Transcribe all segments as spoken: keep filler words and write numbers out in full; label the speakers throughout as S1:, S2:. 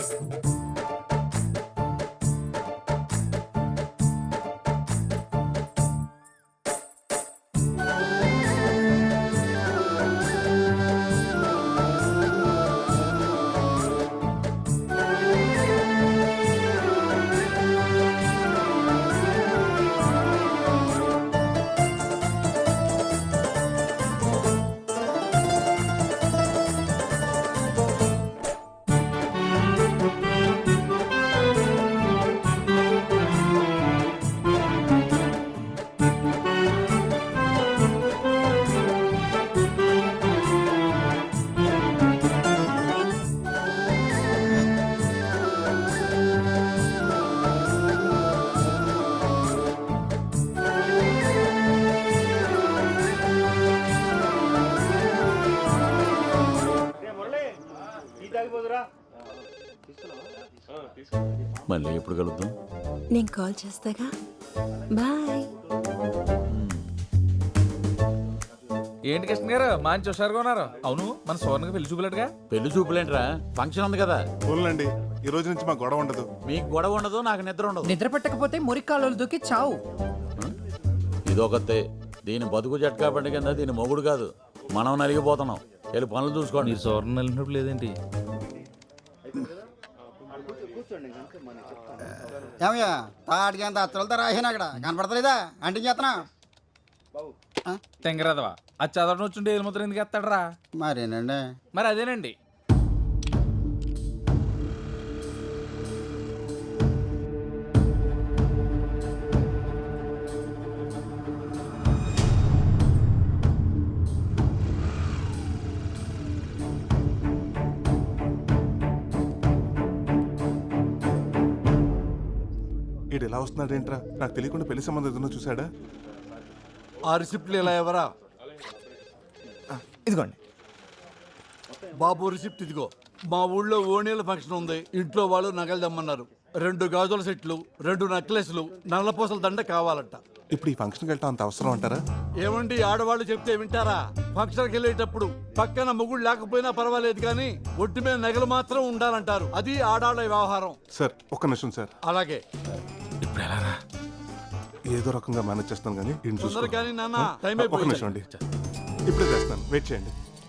S1: మళ్ళీ ఎప్పుడు కలుద్దాం?
S2: నేను కాల్ చేస్తాగా. బాయ్.
S3: ఏంటి కృష్ణ గారు మంచి హుషారుగా ఉన్నారు? అవును, మన సోర్ణకి పెళ్లి చూపులేటుగా.
S1: పెళ్లి చూపులేంట్రా, ఫంక్షన్ ఉంది కదా.
S4: పోలండి, ఈ రోజు నుంచి మాకు గొడవ ఉండదు.
S1: మీకు గొడవ ఉండదు, నాకు నిద్ర ఉండదు.
S5: నిద్ర పెట్టకపోతే మురికాలు దూకి చావు.
S1: ఇదొకతే. దీని బతుకు జట్కా పండుగ కింద దీని మొగుడు కాదు, మనం నలిగిపోతున్నాం. వెళ్ళి పనులు చూసుకోండి.
S3: మీరు సోర్ణ నలిగినప్పుడు లేదేంటి?
S6: ఏమయ్యా తాటికి అంత అత్తలతో రాసాను అక్కడ కనపడతలేదా? అంటే చేస్తున్నా
S3: తెంగరాదవా అది చదవడం వచ్చుంటే ఏలు ముద్ర ఎందుకు ఎత్తాడరా?
S6: మరేనండి.
S3: మరి అదేనండి.
S4: ఈడు ఎలా వస్తున్నాడు ఏంట్రా? నాకు తెలియకుండా పెళ్లి సంబంధం ఏదైనా చూసాడా?
S7: ఆ రిసిప్ట్లు ఎలా ఎవరా?
S8: ఇదిగోండి
S7: బాబు రిసిప్ట్ ఇదిగో. మా ఊళ్ళో ఓణీల ఫంక్షన్ ఉంది. ఇంట్లో వాళ్ళు నగలు దమ్మన్నారు. రెండు గాజుల సెట్లు, రెండు నెక్లెస్లు, నల్లపూసల దండ కావాలంట.
S4: ఇప్పుడు ఈ ఫంక్షన్కి వెళ్ళటం అంత అవసరం అంటారా?
S7: ఏమండి, ఆడవాళ్ళు చెప్తే వింటారా? ఫంక్షన్కి వెళ్ళేటప్పుడు పక్కన మొగుడు లేకపోయినా పర్వాలేదు కానీ ఒంటి మీద నగలు మాత్రం ఉండాలంటారు. అది ఆడాళ్ళ వ్యవహారం.
S4: సార్ ఒక్క నిమిషం సార్.
S7: అలాగే.
S3: ఇప్పుడు ఎలా?
S4: ఏదో రకంగా మేనేజ్ చేస్తాను కానీ ఈయన చూసుకో.
S7: కానీ నాన్న టైం
S4: ఒక్క నిమిషం అండి, ఇప్పుడే చేస్తాను, వెయిట్ చేయండి.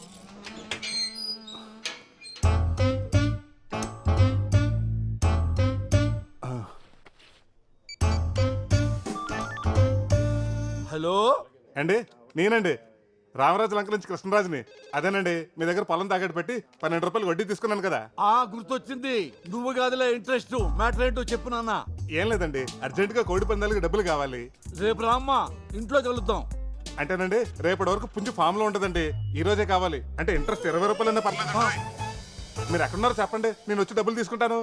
S7: హలో
S4: అండి, నేనండి రామరాజు లంక నుంచి కృష్ణరాజుని. అదేనండి, మీ దగ్గర పొలం తాకట్టు పెట్టి పన్నెండు రూపాయలు వడ్డీ తీసుకున్నాను కదా.
S7: ఆ గుర్తొచ్చింది. నువ్వు కాదులే ఇంట్రెస్ట్. మ్యాటర్ ఏంటో చెప్పు నాన్న.
S4: ఏం లేదండి, అర్జెంట్ గా కోడి పందాలకి డబ్బులు కావాలి.
S7: రేపు రామ్మా, ఇంట్లో కలుద్దాం.
S4: అంటేనండి రేపటి వరకు పుంజు ఫామ్ లో ఉంటదండి. ఈ రోజే కావాలి. అంటే ఇంట్రెస్ట్ ఇరవై రూపాయలన్నా పర్లేదు. మీరు ఎక్కడున్నారో చెప్పండి, నేను వచ్చి డబ్బులు తీసుకుంటాను.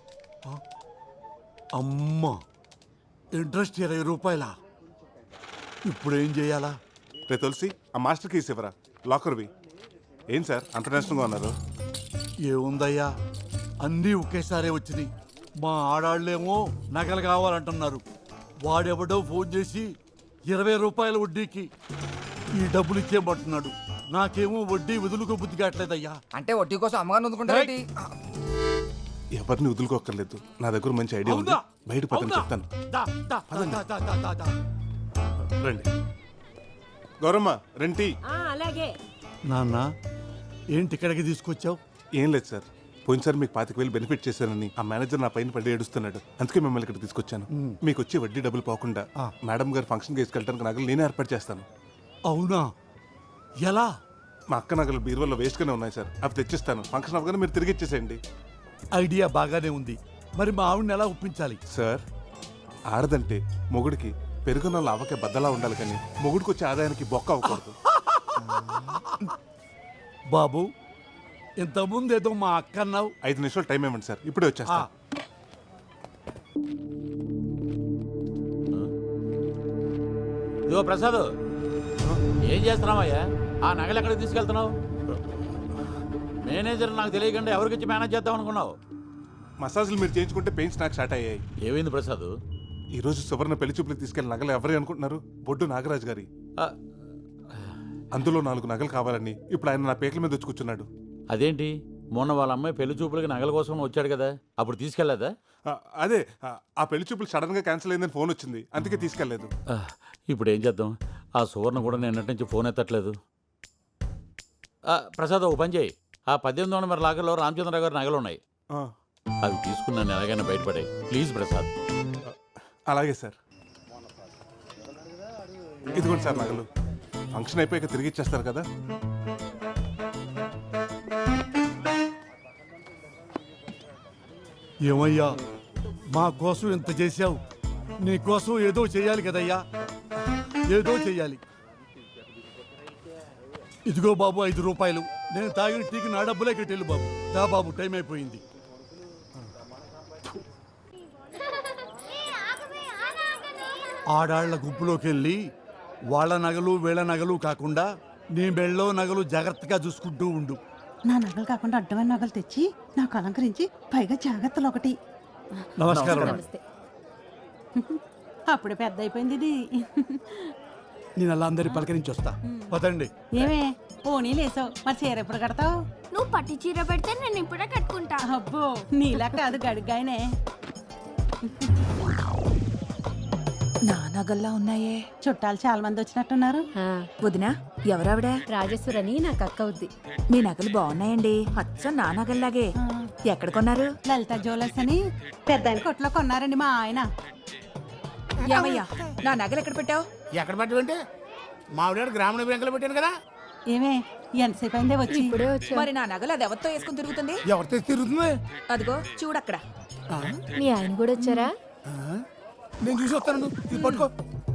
S7: అమ్మా, ఇంట్రెస్ట్ ఇరవై రూపాయలా? ఇప్పుడు ఏం చేయాలా?
S4: రే తులసి, ఆ మాస్టర్ కీస్ ఇవ్వరా, లాకర్వి. ఏం సార్ అంత నేషనల్గా ఉన్నారు?
S7: ఏముందయ్యా, అన్నీ ఒకేసారి వచ్చినాయి. మా ఆడాళ్ళేమో నగలు కావాలంటున్నారు. వాడెవడో ఫోన్ చేసి ఇరవై రూపాయల వడ్డీకి ఈ డబ్బులు ఇచ్చేయమంటున్నాడు. నాకేమో వడ్డీ వదులుకో బుద్ధి కావట్లేదయ్యా.
S5: అంటే వడ్డీ కోసం అమ్మగారిని అందుకుంటారేంటి?
S4: ఎవరిని వదులుకోక్కర్లేదు, నా దగ్గర మంచి ఐడియా ఉంది. బయట పక్కన చెప్తాను.
S7: దా, దా, దా, దా, దా, దా, దా.
S4: రండి. గౌరమ్మ రెంటి.
S2: అలాగే.
S7: నాన్న, ఏంటి ఇక్కడికి తీసుకొచ్చావు?
S4: ఏం లేదు సార్, పోయినసారి మీకు పాతిక వేలు బెనిఫిట్ చేశానని ఆ మేనేజర్ నా పైన పడి ఏడుస్తున్నాడు. అందుకే మిమ్మల్ని ఇక్కడ తీసుకొచ్చాను. మీకు వచ్చి వడ్డీ డబ్బులు పోకుండా మేడం గారు ఫంక్షన్కి తీసుకెళ్ళడానికి నగలు నేనే ఏర్పాటు చేస్తాను.
S7: అవునా? ఎలా?
S4: మా అక్క నగలు బీరువాలో వేస్ట్గానే ఉన్నాయి సార్, అవి తెచ్చిస్తాను. ఫంక్షన్ అవగానే మీరు తిరిగి ఇచ్చేసేయండి.
S7: ఐడియా బాగానే ఉంది. మరి మా ఆవిడని ఎలా ఒప్పించాలి?
S4: సార్, ఆడదంటే మొగుడికి పెరుగున్న లావకే బద్దలా ఉండాలి కానీ మొగుడికి వచ్చే ఆదాయానికి బొక్క అవ్వకూడదు.
S7: బాబు, ఇంతకుముందు ఏదో మా అక్క అన్నావు.
S4: ఐదు నిమిషాలు టైం ఇవ్వండి సార్, ఇప్పుడే వచ్చేస్తా.
S1: ఇదిగో ప్రసాద్, ఏం చేస్తున్నావయ్యా? ఆ నగలు ఎక్కడికి తీసుకెళ్తున్నావు? మేనేజర్ నాకు తెలియకుండా ఎవరికిచ్చి మేనేజ్ చేద్దాం అనుకున్నావు?
S4: మసాజులు మీరు చేయించుకుంటే పెయిన్స్ నాకు స్టార్ట్ అయ్యాయి.
S1: ఏమైంది ప్రసాద్?
S4: ఈ రోజు సువర్ణ పెళ్లి చూపులకు తీసుకెళ్లిన నగలు ఎవరి అనుకుంటున్నారు? బొడ్డు నాగరాజు గారి. అందులో నాలుగు నగలు కావాలని ఇప్పుడు ఆయన నా పేకల మీద వచ్చి కూర్చున్నాడు.
S1: అదేంటి? మొన్న వాళ్ళ అమ్మాయి పెళ్లి చూపులకి నగల కోసం వచ్చాడు కదా, అప్పుడు తీసుకెళ్లేదా?
S4: ఆ, అదే ఆ, ఆ పెళ్లి చూపులు సడన్ గా క్యాన్సిల్ అయిందని ఫోన్ వచ్చింది, అందుకే తీసుకెళ్లేదు.
S1: ఆ, ఇప్పుడు ఏం చేద్దాం? ఆ సువర్ణ కూడా నిన్నటి నుంచి ఫోన్ ఎత్తట్లేదు. ఆ, ప్రసాద్ ఒక పని చేయి, ఆ పద్దెనిమిది వందల మరి లాగర్లో రామచంద్రరావు గారి నగలు ఉన్నాయి,
S4: ఆ,
S1: అవి తీసుకున్నాను ఎలాగైనా బయటపడాయి. ప్లీజ్ ప్రసాద్.
S4: అలాగే సార్. ఇదిగోండి సార్ నగలు. ఫంక్షన్ అయిపోయాక తిరిగి ఇచ్చేస్తారు కదా.
S7: ఏమయ్యా మా కోసం ఇంత చేశావు, నీ కోసం ఏదో చేయాలి కదయ్యా, ఏదో చెయ్యాలి. ఇదిగో బాబు ఐదు రూపాయలు, నేను తాగిన టీకి నా డబ్బులే కట్టేళ్ళు బాబు. దా బాబు, టైం అయిపోయింది. ఆడాళ్ల గుంపులోకి వెళ్ళి వాళ్ళ నగలు వీళ్ళ నగలు కాకుండా నీ మెళ్ళో నగలు జాగ్రత్తగా చూసుకుంటూ ఉండు.
S8: నా నగలు కాకుండా అడ్డమైన నగలు తెచ్చి నాకు అలంకరించి పైగా జాగ్రత్తలు ఒకటి.
S7: నమస్కారం.
S2: నమస్తే.
S8: అప్పుడే పెద్ద అయిపోయింది ఇది.
S7: నేను అలా అందరి పలకరించి వస్తా. పదండి.
S8: ఏమే పోనీ లేసావు, మరి చీర ఎప్పుడు కడతావు?
S9: నువ్వు పట్టు చీర పెడితే నేను ఇప్పుడే కట్టుకుంటా.
S8: అబ్బో నీలా కాదు, గడిగాయనే.
S10: నా నగల్లా ఉన్నాయే.
S8: చుట్టాలు చాలా మంది వచ్చినట్టున్నారు.
S10: వదినా, ఎవరావిడ?
S2: రాజేశ్వరని నాకు అక్క అవుద్ది.
S10: మీ నగలు బాగున్నాయండి, అచ్చం నా నగల్లాగే. ఎక్కడ కొన్నారు?
S8: లలిత జ్యువెలర్స్ అని పెద్ద కొట్లో కొన్నారండి మా ఆయన.
S10: ఏమయ్యా, నా నగలు ఎక్కడ పెట్టావు?
S11: ఎక్కడ పెట్టమంటే మావిడ గ్రామీణ బ్యాంకులో పెట్టాను కదా.
S8: ఏమే ఎంతసేపు అయిందే వచ్చి?
S2: ఇప్పుడే వచ్చా.
S10: మరి నా నగలు అది ఎవరితో వేసుకుని తిరుగుతుంది?
S11: ఎవరితో తిరుగుతుంది?
S10: అదిగో చూడక్కడ.
S2: మీ ఆయన కూడా వచ్చారా?
S11: నేను చూసి వస్తాను, ఇది పట్టుకో.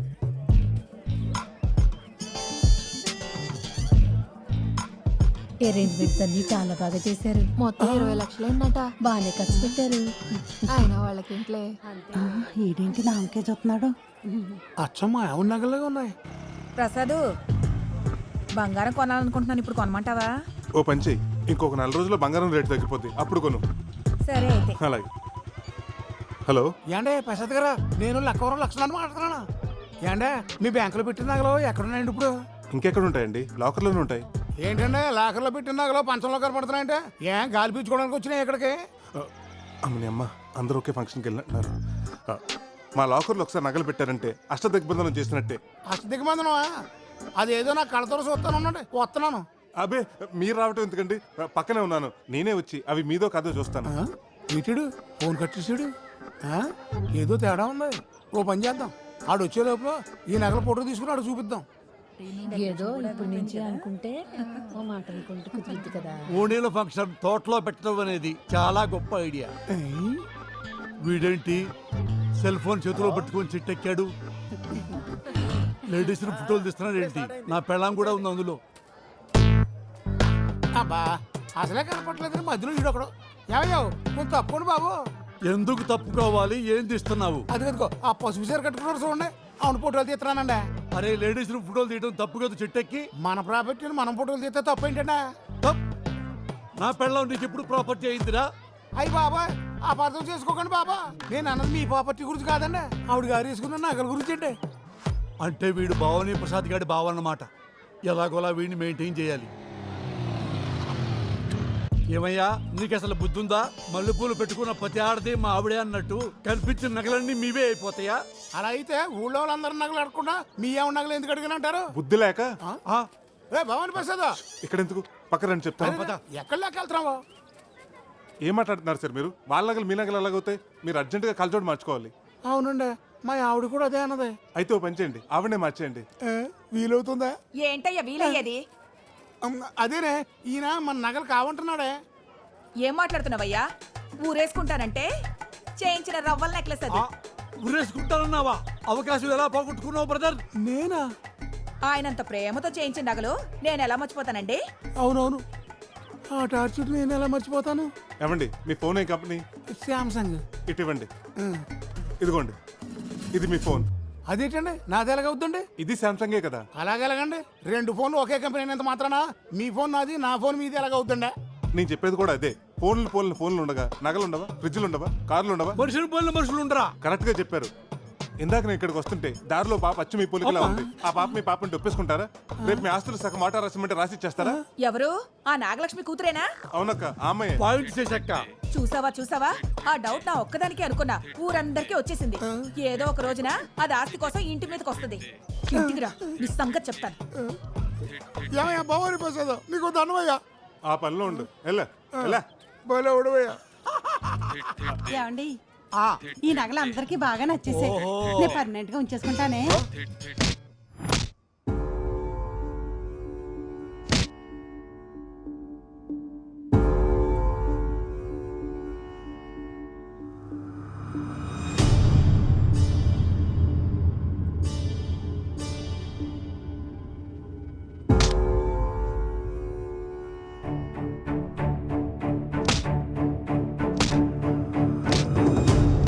S2: అరేంజ్మెంట్స్ అన్ని చాలా బాగా చేశారు.
S9: మొత్తం ఇరవై లక్షలు ఏంటట.
S2: బాగానే ఖర్చు పెట్టారు.
S9: ఆయన వాళ్ళకి ఇంట్లే.
S8: ఆ, ఈడేంటి నామకే చూస్తున్నాడు?
S11: అచ్చమ్మ ఎవరి నగల్లాగా ఉన్నాయి.
S10: ప్రసాదు, బంగారం కొనాలనుకుంటున్నాను, ఇప్పుడు కొనమంటావా?
S4: ఓ పని చెయ్యి, ఇంకొక నెల రోజుల్లో బంగారం రేటు తగ్గిపోద్ది, అప్పుడు కొను.
S10: సరే అయితే.
S4: అలాగే. హలో,
S11: ఏండే ప్రసాద్ గారా, నేను లక్కవరం లక్షణాన్ని మాట్లాడుతున్నాను. ఏండే మీ బ్యాంకులో పెట్టిన నగలు ఎక్కడున్నాయండి ఇప్పుడు?
S4: ఇంకెక్కడ ఉంటాయండి? లాకర్లోనే ఉంటాయి.
S11: ఏంటంటే లాకర్లో పెట్టిన నగలు పంచంలో కనపడుతున్నాయంటే ఏం గాలి పీల్చుకోవడానికి వచ్చినాయి ఇక్కడికి?
S4: ఆ, అమ్మని అమ్మ, అందరూ ఒకే ఫంక్షన్కి వెళ్ళినట్టున్నారు. ఆ, మా లాకర్లో ఒకసారి నగలు పెట్టారంటే అష్టదిగ్బంధనం చేసినట్టే.
S11: అష్ట దిగ్బంధనమా? అదేదో నా కళ్ళతో చూస్తాను ఉండండి, వస్తున్నాను.
S4: అబే, మీరు రావటం ఎందుకండి, పక్కనే ఉన్నాను, నేనే వచ్చి అవి మీదో కాదో చూస్తాను.
S11: వీటుడు ఫోన్ కట్ చేసాడు. ఆ? ఏదో తేడా ఉంది. ఓ పని చేద్దాం, ఆడు వచ్చే లోపల ఈ నగల ఫోటో తీసుకుని ఆడు చూపిద్దాం.
S2: ఏదో ఇప్పటి నుంచి అనుకుంటే ఓ మాట అనుకుంటే కుదురుద్ది కదా.
S7: ఓణీల ఫంక్షన్ తోటలో పెట్టడం అనేది చాలా గొప్ప ఐడియా. వీడేంటి సెల్ ఫోన్ చేతిలో పట్టుకొని చిట్టెక్కాడు? లేడీస్ ఫోటోలు తీస్తున్నాడు ఏంటి? నా పెళ్ళాం కూడా ఉంది అందులో.
S11: అబ్బా అసలే కనపట్లేదు, మధ్యలో వీడు ఒకడు. ఏమయ్యావు కొంచెం తప్పుకోండి బాబు.
S7: ఎందుకు తప్పుకోవాలి? ఏం తీస్తున్నావు?
S11: అది కదుకో ఆ పసుపు చీర కట్టుకున్నారు చూడండి, అవును ఫోటోలు తీస్తున్నానండి.
S7: అరే, లేడీస్ ఫోటోలు తీయడం తప్పు కదా చెట్టెక్కి.
S11: మన ప్రాపర్టీని మనం ఫోటోలు తీస్తే తప్పు ఏంటంటే?
S7: తప్. నా పెళ్ళాం నీకు ఎప్పుడు ప్రాపర్టీ అయిందిరా?
S11: అయ్యి బాబా అపార్థం చేసుకోకండి బాబా, నేను అన్నది మీ ప్రాపర్టీ గురించి కాదండి, ఆవిడ గారు వేసుకున్న నగల గురించి అండి.
S7: అంటే వీడు భావని ప్రసాద్ గారి భావ అన్నమాట. ఎలాగోలా వీడిని మెయింటైన్ చేయాలి. ఏమయ్యా, నీకు అసలు బుద్ధుందా? మల్లెపూలు పెట్టుకున్న ప్రతి ఆడది మా ఆవిడే అన్నట్టు కనిపించిన నగలన్నీ మీవే అయిపోతాయా?
S11: అలా అయితే ఊళ్ళో వాళ్ళందరూ నగలు అడగకుండా మీ ఏమన్నా నగలు ఎందుకు అడిగినంటారు?
S4: బుద్ధి లేక.
S7: ఆ,
S11: ఏ భవాని ప్రసాద్,
S4: ఇక్కడ ఎందుకు, పక్కన చెప్తాను.
S11: ఎక్కడ లేక వెళ్తున్నావు?
S4: ఏం మాట్లాడుతున్నారు సార్ మీరు? వాళ్ళ నగలు మీ నగలు ఎలాగవుతాయి? మీరు అర్జెంటుగా కలచోడు మార్చుకోవాలి.
S11: అవునండి, మా ఆవిడ కూడా అదే అన్నది.
S4: అయితే ఓ పని చేయండి, ఆవిడనే మార్చేయండి.
S11: ఏ, వీలవుతుందా?
S10: ఏంటయ్యా వీలయ్యేది?
S11: అమ్, అదేనే ఈయన మన నగలు కావంటున్నాడే.
S10: ఏం మాట్లాడుతున్నావయ్యా? ఊరేసుకుంటానంటే చేయించిన రవ్వల నెక్లెస్ అది.
S7: ఉరేసుకుంటానన్నావా? అవకాశం ఎలా పోగొట్టుకున్నావు బ్రదర్?
S11: నేనా?
S10: ఆయనంత ప్రేమతో చేయించిన నగలు నేను ఎలా మర్చిపోతానండి?
S11: అవునవును, ఆ టార్చర్ నేను ఎలా మర్చిపోతాను?
S4: ఏమండి, మీ ఫోన్ ఏ కంపెనీ?
S11: శాంసంగ్.
S4: ఇటు ఇవ్వండి. ఇదిగోండి, ఇది మీ ఫోన్.
S11: అదేంటండి నాది ఎలాగవుద్దండి?
S4: ఇది శాంసంగే కదా.
S11: అలాగెలాగండి? రెండు ఫోన్లు ఒకే కంపెనీ అయినంత మాత్రాన మీ ఫోన్ నాది, నా ఫోన్ మీది ఎలాగవుతుండే?
S4: నేను చెప్పేది కూడా అదే. ఫోన్లు ఫోన్లు ఫోన్లు ఉండగా నగలు ఉండవా? ఫ్రిడ్జ్లు ఉండవా? కార్లు ఉండవా?
S7: మనుషులు పోయిన మనుషులు ఉండరా?
S4: కరెక్ట్ గా చెప్పారు. ఇందాక నేను ఇక్కడికి వస్తుంటే దారిలో పాప అచ్చు మీ పొలికలా ఉంది. ఆ పాప మీ పాపని ఒప్పేసుకుంటారా? రేపు మీ ఆస్తులు సగం మాట రాసిమంటే రాసి ఇచ్చేస్తారా?
S10: ఎవరు ఆ నాగలక్ష్మి కూతురేనా?
S4: అవునక్క, ఆ అమ్మాయి.
S7: పాయింట్ చేశాక
S10: చూసావా చూసావా ఆ డౌట్ నా ఒక్కదానికి అనుకున్నా, ఊరందరికీ వచ్చేసింది. ఏదో ఒక రోజున అది ఆస్తి కోసం ఇంటి మీదకి వస్తుంది. ఇంటికి రా, నీ సంగతి చెప్తాను.
S11: ఏమయ్యా బావని ప్రసాద్ నీకు దండమయ్యా.
S4: ఆ పనిలో ఉండు. ఎలా ఎలా
S11: బయలు ఉడవయ్యా.
S8: ఏమండి ఈ నగలు అందరికీ బాగా నచ్చేసాయి. నేను పర్మనెంట్ గా ఉంచేసుకుంటానే.